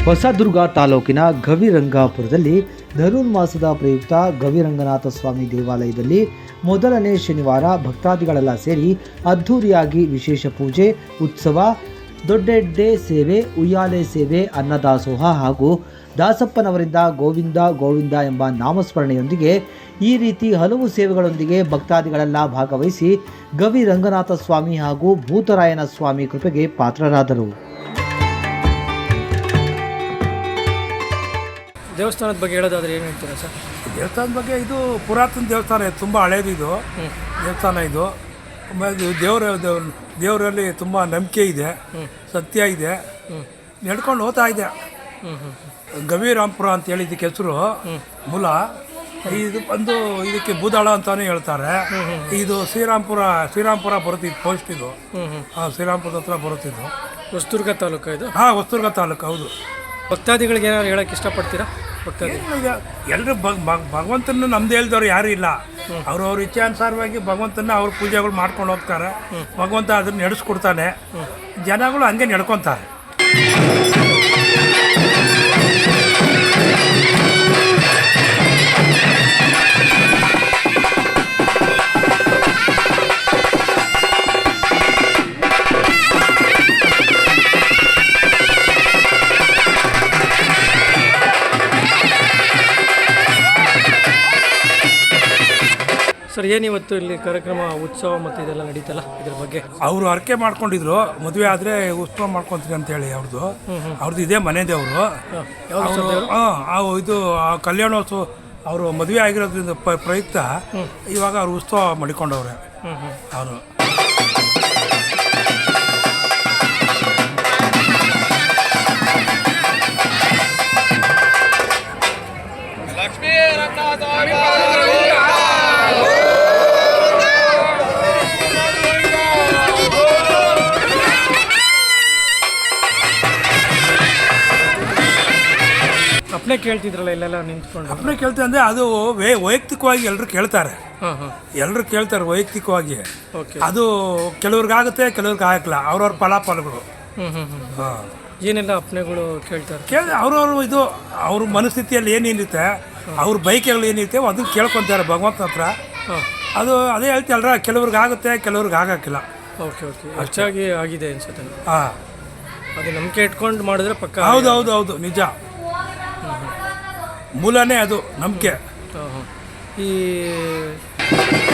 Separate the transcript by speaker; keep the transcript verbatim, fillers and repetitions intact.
Speaker 1: ಹೊಸದುರ್ಗ ತಾಲೂಕಿನ ಗವಿರಂಗಾಪುರದಲ್ಲಿ ಧನುರ್ಮಾಸದ ಪ್ರಯುಕ್ತ ಗವಿರಂಗನಾಥ ಸ್ವಾಮಿ ದೇವಾಲಯದಲ್ಲಿ ಮೊದಲನೇ ಶನಿವಾರ ಭಕ್ತಾದಿಗಳೆಲ್ಲ ಸೇರಿ ಅದ್ಧೂರಿಯಾಗಿ ವಿಶೇಷ ಪೂಜೆ, ಉತ್ಸವ, ದೊಡ್ಡೆಡ್ಡೆ ಸೇವೆ, ಉಯ್ಯಾಲೆ ಸೇವೆ, ಅನ್ನದಾಸೋಹ ಹಾಗೂ ದಾಸಪ್ಪನವರಿಂದ ಗೋವಿಂದ ಗೋವಿಂದ ಎಂಬ ನಾಮಸ್ಮರಣೆಯೊಂದಿಗೆ ಈ ರೀತಿ ಹಲವು ಸೇವೆಗಳೊಂದಿಗೆ ಭಕ್ತಾದಿಗಳೆಲ್ಲ ಭಾಗವಹಿಸಿ ಗವಿರಂಗನಾಥ ಸ್ವಾಮಿ ಹಾಗೂ ಭೂತರಾಯನ ಸ್ವಾಮಿ ಕೃಪೆಗೆ ಪಾತ್ರರಾದರು.
Speaker 2: ದೇವಸ್ಥಾನದ ಬಗ್ಗೆ ಹೇಳೋದಾದ್ರೆ ಏನು ಹೇಳ್ತೀರಾ ಸರ್?
Speaker 3: ದೇವಸ್ಥಾನದ ಬಗ್ಗೆ ಇದು ಪುರಾತನ ದೇವಸ್ಥಾನ, ತುಂಬ ಹಳೇದು ಇದು ದೇವಸ್ಥಾನ. ಇದು ದೇವರ ದೇವರಲ್ಲಿ ತುಂಬ ನಂಬಿಕೆ ಇದೆ, ಸತ್ಯ ಇದೆ, ನಡ್ಕೊಂಡು ಹೋಗ್ತಾ ಇದೆ. ಗವಿರಾಂಪುರ ಅಂತ ಹೇಳಿ ಇದಕ್ಕೆ ಹೆಸರು ಮೂಲ. ಇದು ಬಂದು ಇದಕ್ಕೆ ಬೂದಾಳ ಅಂತಾನೆ ಹೇಳ್ತಾರೆ. ಇದು ಶ್ರೀರಾಂಪುರ ಶ್ರೀರಾಂಪುರ ಬರುತ್ತಿದ್ದು ಪೋಸ್ಟ್ ಇದು. ಹಾಂ, ಶ್ರೀರಾಂಪುರದ ಹತ್ರ ಬರುತ್ತಿದ್ದು.
Speaker 2: ಹೊಸದುರ್ಗ ತಾಲೂಕು ಇದು?
Speaker 3: ಹಾಂ, ಹೊಸದುರ್ಗ ತಾಲೂಕು. ಹೌದು.
Speaker 2: ಭಕ್ತಾದಿಗಳಿಗೆ ಏನಾದ್ರು ಹೇಳಕ್ಕೆ ಇಷ್ಟಪಡ್ತೀರಾ? ಭಕ್ತಾದಿ
Speaker 3: ಎಲ್ಲರೂ ಭಗವಂತನ ನಮ್ದು ಹೇಳ್ದವ್ರು ಯಾರು ಇಲ್ಲ. ಅವ್ರವ್ರ ಇಚ್ಛಾನುಸಾರವಾಗಿ ಭಗವಂತನ ಅವ್ರ ಪೂಜೆಗಳು ಮಾಡ್ಕೊಂಡು ಹೋಗ್ತಾರೆ. ಭಗವಂತ ಅದನ್ನು ನಡೆಸ್ಕೊಡ್ತಾನೆ, ಜನಗಳು ಹಂಗೆ ನಡ್ಕೊತಾರೆ.
Speaker 2: ಸರ್, ಏನಿವತ್ತು ಇಲ್ಲಿ ಕಾರ್ಯಕ್ರಮ, ಉತ್ಸವ ಮತ್ತು ಇದೆಲ್ಲ ನಡೀತಲ್ಲ, ಇದ್ರ ಬಗ್ಗೆ?
Speaker 3: ಅವರು ಅರಕೆ ಮಾಡ್ಕೊಂಡಿದ್ರು, ಮದುವೆ ಆದರೆ ಉತ್ಸವ ಮಾಡ್ಕೊತೀರಿ ಅಂತೇಳಿ. ಅವ್ರದ್ದು ಅವ್ರದ್ದು ಇದೇ ಮನೆ ದೇವರು. ಹಾಂ, ಇದು ಕಲ್ಯಾಣೋತ್ಸವ ಅವರು ಮದುವೆ ಆಗಿರೋದ್ರಿಂದ ಪ್ರಯುಕ್ತ ಇವಾಗ ಅವ್ರು ಉತ್ಸವ ಮಾಡಿಕೊಂಡವ್ರೆ ಅವರು.
Speaker 2: ಅಪ್ಪನೇ ಕೇಳ್ತಿದ್ರಲ್ಲ ಇಲ್ಲೆಲ್ಲ ನಿಂತ್ಕೊಂಡು?
Speaker 3: ಅಪ್ಪನೇ ಕೇಳ್ತಾರೆ ಅಂದರೆ ಅದು ವೇ ವೈಯಕ್ತಿಕವಾಗಿ ಎಲ್ಲರೂ ಕೇಳ್ತಾರೆ. ಎಲ್ಲರೂ ಕೇಳ್ತಾರೆ ವೈಯಕ್ತಿಕವಾಗಿ. ಅದು ಕೆಲವ್ರಿಗಾಗುತ್ತೆ, ಕೆಲವ್ರಿಗೆ ಆಗಲ್ಲ. ಅವ್ರವ್ರ ಫಲಾಫಲಗಳು.
Speaker 2: ಹಾಂ, ಏನೆಲ್ಲ ಅಪ್ಪನೆಗಳು ಕೇಳ್ತಾರೆ?
Speaker 3: ಕೇಳಿ ಅವ್ರವ್ರು ಇದು ಅವ್ರ ಮನಸ್ಥಿತಿಯಲ್ಲಿ ಏನೇನಿರುತ್ತೆ, ಅವ್ರ ಬೈಕೆಗಳು ಏನಿರುತ್ತೆ ಅದನ್ನು ಕೇಳ್ಕೊತಾರೆ ಭಗವಂತನ ಹತ್ರ. ಅದು ಅದೇ ಹೇಳ್ತೀಯಲ್ರ, ಕೆಲವ್ರಿಗೆ ಆಗುತ್ತೆ, ಕೆಲವ್ರಿಗೆ ಆಗಕ್ಕಿಲ್ಲ.
Speaker 2: ಓಕೆ ಓಕೆ ಹೆಚ್ಚಾಗಿ ಆಗಿದೆ ಅನ್ಸುತ್ತೆ.
Speaker 3: ಹಾಂ,
Speaker 2: ಅದು ನಂಬಿಕೆ ಇಟ್ಕೊಂಡು ಮಾಡಿದ್ರೆ ಪಕ್ಕ.
Speaker 3: ಹೌದು ಹೌದು ಹೌದು ನಿಜ. ಮೂಲನೇ ಅದು ನಂಬಿಕೆ.
Speaker 2: ಈ